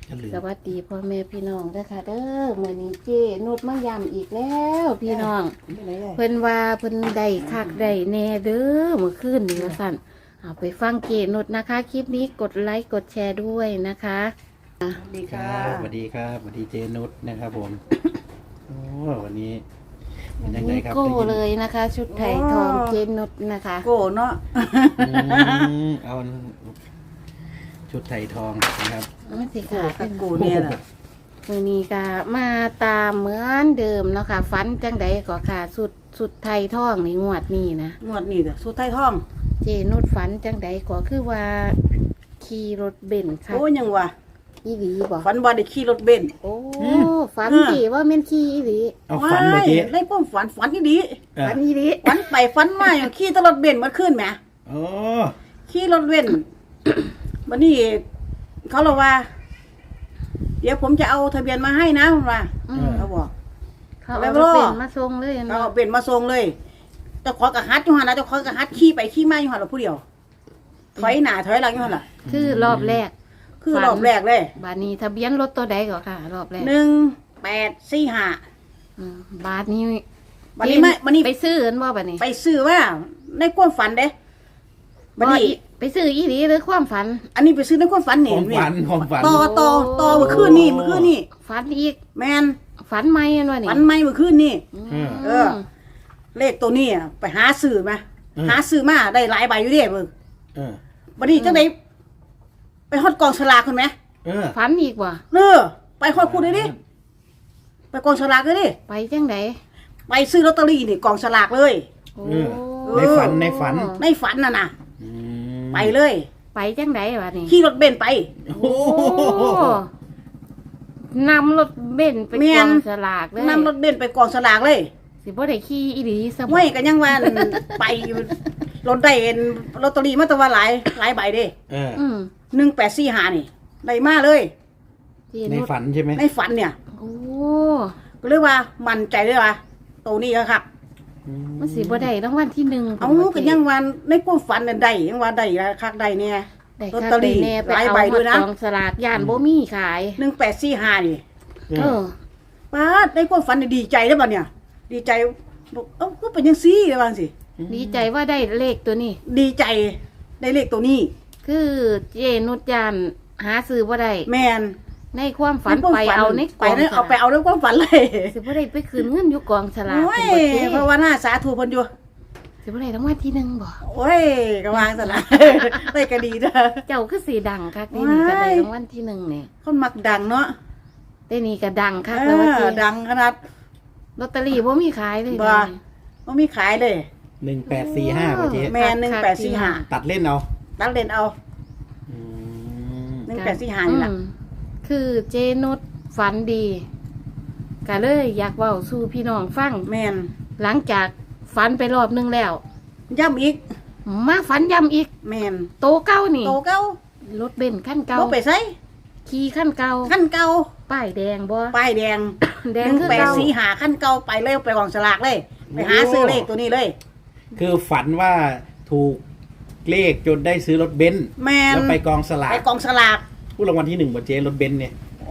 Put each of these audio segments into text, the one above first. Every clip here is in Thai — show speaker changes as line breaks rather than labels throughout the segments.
สวัสดีพ่อแม่พี่น้องนะคะเด้อมื้อนี้เจ้นุชมาย้ำอีกแล้วพี่น้องเพิ่นว่าเพิ่นได้คักได้แน่เด้อเมื่อคืนนี้ว่าซั่นเอาไปฟังเจ้นุชนะคะคลิปนี้กดไลค์กดแชร์ด้วยนะคะ
สวัสดีครับสวัสดีครับสวัสดีเจนุชนะครับผมโอ้วันนี้เป็นยังไงครับ
โก้เลยนะคะ ชุดไทยทองเจนุชนะคะ
โก้เนาะ
เอาชุดไทยทองนะครับ
มันสิค่ะเป็น
โก้เนี่ยแหละ
มื้อนี้ก็มาตามเหมือนเดิมเนาะค่ะฝันจังใดก็ค่ะสุดไทยทองนี่งวดนี้นะ
งวดนี้สุดไทยทอง
เจนุชฝันจังใดก็คือว่าขี่รถเบนซ์ค่ะ
โอ้ยังวะ
อีหลีบ่
ฝันว่าได้ขี่รถเบนซ์
โอ้ฝันดีว่าแม่นขี่อีหลี
เอาฝันบ่เจ๊
ได้ป้อมฝันที่ดี
ฝันอีหลี
ฝันไปฝันมาอย่างขี่ตลอดเบนซ์มาขึ้นแหม
โอ้
ขี่รถเบนซ์วันนี้เขาบอกว่าเดี๋ยวผมจะเอาทะเบียนมาให้นะคุณว่าเขาบอก
เขาเอารถเบนซ์มาส่งเลย
เขาเอาเบนซ์มาส่งเลยเจ้าของกระฮัดอยู่หันนะเจ้าของกระฮัดขี่ไปขี่มาอยู่หันเราผู้เดียวถอยหน้าถอยหลังอยู่หันล่ะ
คือรอบแรก
คือรอบแรกเลย
บาทนี้ทะเบียนรถตัวใดก่อนค่ะรอบแรก
1845
บาทนี้
วันนี้
ไปซื้อเห็นบ่บาทนี้
ไปซื้อว่าในความฝันเด้
บัดนี้ไปซื้ออีหลีหรือความฝัน
อันนี้ไปซื้อในความฝันเนี่ย
ความฝัน
ต่อเมื่อคืนนี่
ฝันอีก
แมน
ฝันใหม่อันว่านี่
ฝันใหม่เมื่อคืนนี่เลขตัวนี้ไปหาซื้อมาหาซื้อมาได้หลายใบอยู่เด้เบิ่งบัดนี้จังได๋ไปฮอดกองฉลากคุณไหม
ฝันอีกว่ะ
ไปฮอดคุณเลยดิไปกองฉลากเลยดิ
ไปจังได
ไปซื้อลอตเตอรี่นี่กองฉลากเลย
ในฝั
นน่ะนะไปเลย
ไปจังไดวะนี่
ขี่รถเบนซ์ไป
นำรถเบนซ์ไปกองฉลากเลย
นำรถเบนซ์ไปกองฉลากเลย
สิบ่ได้ขี่อีหลีซะ
ไม่กันยังว่าไปรถได้ลอตเตอรี่มาแต่ว่าหลายใบเด้1845นี่ได้มาเลย
ในฝันใช่ไหม
ในฝันเนี่ย
โอ้
ก็เรียกว่ามั่นใจเลยว่าตัวนี้ครับ
มันสิบ่ได้รางวัลที่1
เอากันยังว่าในความฝันน่ะได้ยังว่าได้คักได้เนี่ยลอตเตอรี่หลายใบด้วยนะ
กองสลากย่านบ่มีขาย
1845นี่ป้าในความฝันดีใจแล้วบัดเนี่ยดีใจบอกก็เป็นจังซี่ว่าจังซี่
ดีใจว่าได้เลขตัวนี้
ดีใจได้เลขตัวนี้
คือเจนุชยานหาซื้อบ่ได้
แม่น
ในความฝันไปเอาใน
กองเอาไปเอาในความฝันเลย
สิบ่ได้ไปคืนเงินอยู่กองฉลาก
เพราะว่าหน้าสาธุเพิ่นอยู่
สิบ่ได้รางวัลที่1บ่
โอ้ยก็วางซะละได้ก็ดีเด้อ
เจ้าคือสิดังคักนี่ก็ได้รางวัลที่1นี่
คนมักดังเนาะ
แต่นี่ก็ดังคักแล้วว่าสิ
ดังขนาด
ลอตเตอรี่บ่มีขายเลย
บ่มีขายเลย
1845ป่ะเจ๊
แม่1845
ตัดเล่นเอา
1845นี่ล่ะ
คือเจนุชฝันดีก็เลยอยากเว้าสู่พี่น้องฟัง
แม่น
หลังจากฝันไปรอบนึงแล้ว
ย้ำอีก
มาฝันย้ำอีก
แม่น
โตเก้านี่
โตเก้าร
ถเบนซ์คันเก่า
บ่ไปไส
ขี่คันเก่าป้ายแดงบ่
ป้ายแดง1845คันเก่าไปเลยไปกองฉลากเลยไปหาซื้อเลขตัวนี้เลย
คือฝันว่าถูกเลขจนได้ซื้อรถเบนซ์แล้วไปกองสลากผู้รางวัลที่1บ่เจ๊รถเบนซ์เนี่ย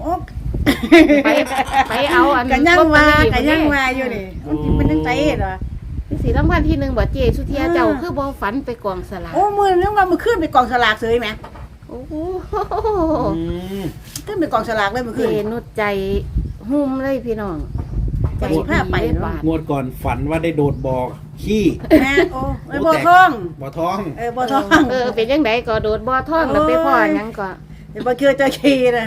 ไปเอาอัน
กันยังว่าอยู่นี่มันจังไสเหรอ
สิรางวัลที่1บ่เจ๊สุเทียเจ้าคือบ่ฝันไปกองสลาก
โอ้มื้อนึงว่ามื้อคืนไปกองสลากเฉยแหม
โอ้
ขึ้นไปกองสลากเลยมื้อคืน
เจนุชใจหุ่มเลยพี่น้อง
ใจพาไป
งวดก่อนฝันว่าได้โดดบ่อขี้
แม่โอ้บ่อทอง
บ่อ
ทอง
เป็นจังได๋ก็โดดบ่อทองแล้วไปพ่อหยังก็
บ่เคยเจอขี้นะ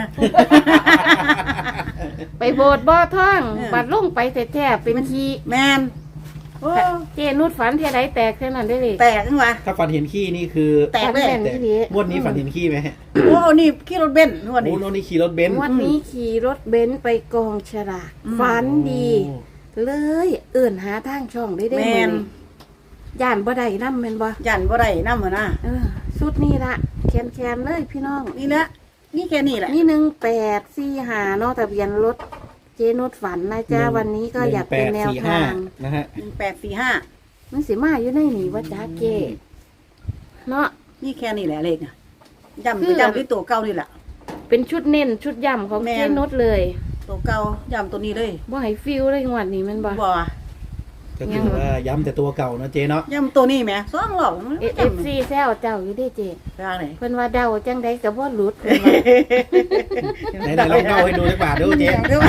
ไปโบดบ่อทองบัดลงไปแท้ๆเป็นขี้
แม่น
เจนุชฝันเท่าใดแตกเท่านั้นได้เลย
แตกจังวะ
ถ้าฝันเห็นขี้นี่คือ
แตกเลย
งวดนี้ฝันเห็นขี้ไหม
โอ้นี่ขี่รถเบนซ์งวดนี้
นี่ขี่รถเบนซ์
วันนี้ขี่รถเบนซ์ไปกองฉลากฝันดีเลยหาทางช่องได้แม่นย่านบ่ได้นำแม่นบ่
ย่านบ่ได้นำหั่นน่ะ
สุดนี้ละแคนเลยพี่น้อง
นี่แหละนี่แค่นี้แหละ
นี่1845เนาะทะเบียนรถเจนุชฝันนะจ๊ะวันนี้ก็อยากเป็นแนวทาง
นะฮะ
1845
มันสิมาอยู่ในนี่ว่าจ๊ะเจเนาะ
นี่แค่นี้แหละเลขน่ะย้ำที่ตัวเก่านี่แหละ
เป็นชุดเน้นชุดย่ำของ
แม่น
เจนุชเลย
ตัวเก่าย้ำตัวนี้เลย
บ่ให้ฟิลเลยงวดนี้แมันบ่
บ่
ก็คือว่าย้ำแต่ตัวเก่านะเจ๊เนาะ
ย้ำตัวนี้แหม2รอบมัน
FC แซวเจ้าอยู่เด้เจ
ทางไหน
เพิ่นว่าเดาจังไดก็บ่หลุดเพิ่นว่า
ไหนๆลองเล่าให้ดูดีกว่าดูเจ๊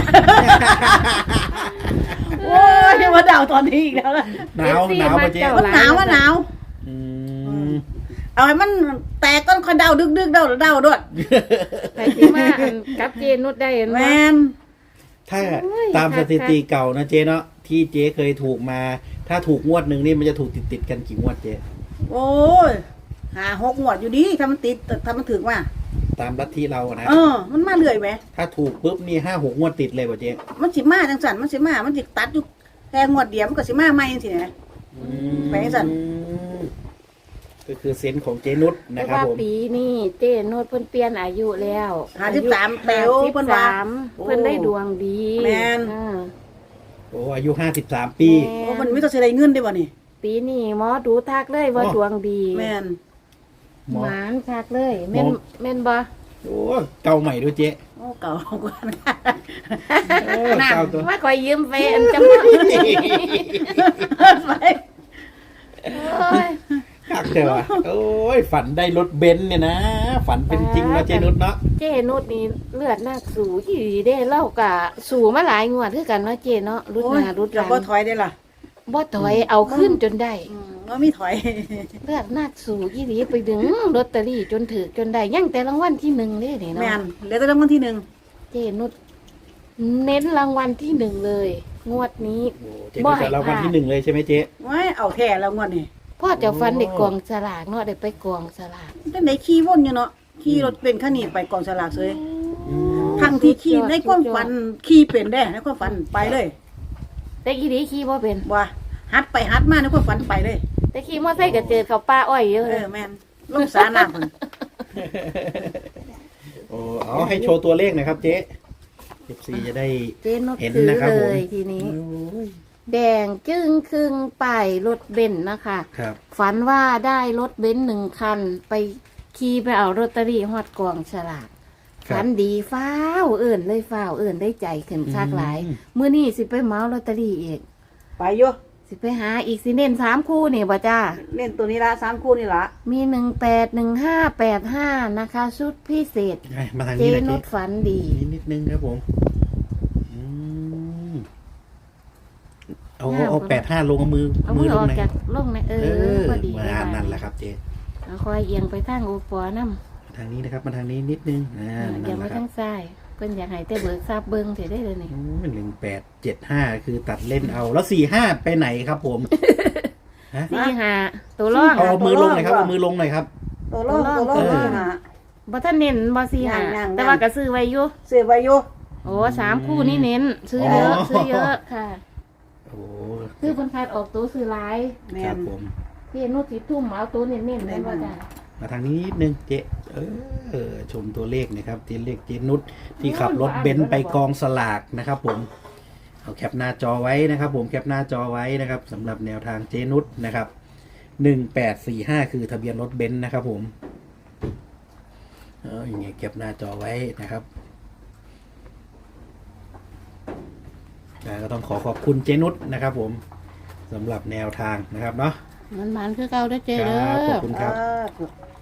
โอ้ยมาดาวตอนนี้อีกแล้วล่ะ
หนาวหนาวป่ะเจ๊
เจ้า
มันหนาวมันหนาว
อืม
เอาให้มันแตกก้อนคอยเดาดึกๆเดาด้วย
ใครสิมาอันกับเจนุชได้เห็น
แม
บ่
น
ถ้าตามสถิติเก่านะเจ๊เนาะที่เจ๊เคยถูกมา ถ้าถูกงวดหนึ่งนี่มันจะถูกติดกันกี่งวดเจ๊
โอ้ย5-6 งวดอยู่ดีถ้ามันติดถ้ามันถึงว่า
ตามลัทธิเราอะนะ
มันมาเรื่อยไหม
ถ้าถูกปุ๊บนี่5-6 งวดติดเลยป่ะเจ๊
มันสิมาจังสันมันสิมามันสิตัดอยู่แค่งวดเดียวมันก็สิมาใหม่จังซี่นะ ไปให้สั่น
ก็คือเซนส์ของเจนุช
แต่
นะครับ
ว่า
ผม
ปีนี้เจนุชเพิ่นเปลี่ยนอายุแล้ว
53เปลวเพิ่นว่า
เพิ่นได้ดวงดี
แม่น
อ่า
โอ้อายุ53 ปี
โอ้มันมีต้องสิได้เงินได้บ่นี่
ปีนี้หมอดูทักเลยว่า
อ๋อ
ดวงดี
แม่น
หมอ
หมานทักเลยแม่น
หมอ
แม่นบ่
โอ้เก่าใหม่ด้วยเจ๊
โอ้เก่ากว่านะ
โอ้เก่าตัว
ว่าคอยยืมแฟนจำได้
ไป
โอ้ย
คักแต่ว่าโอ้ยฝันได้รถเบนซ์เนี่ยนะ ฝันเป็นจริงนะเจนุชเนาะ
เจนุชนี่เลือดนักสู่ที่ดีเด้เล่ากะสู่มาหลายงวดคือกันเนาะเจเนาะรุด
โอ้
ห
ย
น้ารุดห
จะ
ลัง
บ่ถอยได้ล่ะ
บ่ถอยเอาขึ้นจนได้
บ่มีถอย
เลือดนักสู่ที่ดีไปดึงลอตเตอรี่จนถือจนได้ยังแต่รางวัลที่หนึ่งเด้นี่
แม่น
เนาะ
เหลือแต่รางวัลที่
เจนุชเน้นรางวัลที่หนึ่งเลย งวดนี้
โอ้เจนุชแต่เราวันที่ 1เลยใช่ไหมเจ๊
1ไว้เอาแท้แล้วงวดนี้
พ่อจะฟันได้กองสลากเนาะได้ไปกองสลาก
จังได๋ขี่วนอยู่เนาะขี่รถเป็นคันนี้ไปกองสลากเลยทั้งที่ขี่ในความฝันขี่เป็นได้ในความฝันไปเลย
แต่อีดีขี่บ่เป็น
ว่าหัดไปหัดมาในความฝันไปเลย
แต่ขี่มอไซค์ก็เจอเขาป้าอ้อยเยอะเลย
แม่นลงสาน้ำพุ่น
โอ้เอาให้โชว์ตัวเลขหน่อยครับเจ๊14จะได้
เจนุช
เห็น
ถือ
นะครับ
เล
ผม
ยทีนี้
โอ้ย
แดงจึ้งครึ่งป้ายรถเบนซ์นะคะ
ครับ
ฝันว่าได้รถเบนซ์หนึ่งคัน ไปขี่ไปเอาลอตเตอรี่ฮอดกองฉลาก
ครับ
ฝันดีฟ้าวเอื่นเลยฟ้าวเอื่นได้ใจขึ้นคักหลาย
อืม
มื้อนี้สิไปเหมาลอตเตอรี่อีก
ไปอยู่
สิไปหาอีกสิเน้น3 คู่นี่บ่จ้า
เล่นตัวนี้ละ3คู่นี่ละ
มี181585นะคะชุดพิเศษ
ให้มาทาง
เจ
นี้เลย
นุ
เจ๊
ชฝันดี
นิดนึงครับผมอืมเอา85ลงเอามือ
เอามือ
ล
อง อก
หน่อย
จากลงนะพอดี
มา
ได้
นั่นแหละครับเจ๊
เอาคอยเอียงไปทางโอปอน้ำ
ทางนี้นะครับมาทางนี้นิดนึงนั่
อย่าน
แห
มา
ละครั
ทา
บ
งซ้ายเพิ่นอยากให้แต่เบิกทราบเบิ่งเถิดได้เลยนี่
1875คือตัดเล่นเอา แล้ว45ไปไหนครับผมฮะ
45ตัวร่อง
เอามือลงหน่อยครับเอามือลงหน่อยครับ
ตัวโลกตัวโลก
เออ
หา
บ่ทันเน้นบ่
ยัง
45แต่ว่าก็ซื้อไว้อยู่
เสียไว้อยู่
โอ้3 คู่นี่เน้น ซื้อเยอะซื้อเยอะค่ะ
โอ้
คือเพิ่นคัดออกตัวซื้อหลาย
แม่
ครับ
น
ผม
พี่นุชสิทุ่มเอาตัวเน้นๆแม่นบ่จ้ะ
มาทางนี้นิดนึงเจ๊ชมตัวเลขนะครับตัวเลขเจนุชที่ขับรถเบนซ์ไปกองสลากนะครับผมเอาแคปหน้าจอไว้นะครับ ผมแคปหน้าจอไว้นะครับสำหรับแนวทางเจนุชนะครับ1845คือทะเบียนรถเบนซ์นะครับผมอย่างเงี้ยแคปหน้าจอไว้นะครับก็ต้องขอบคุณเจนุชนะครับ ผมสำหรับแนวทางนะครับเนาะ
มันคือเก่าเด้อเจ
ค
เด้
รับขอบ
อ
คุณครับ
บ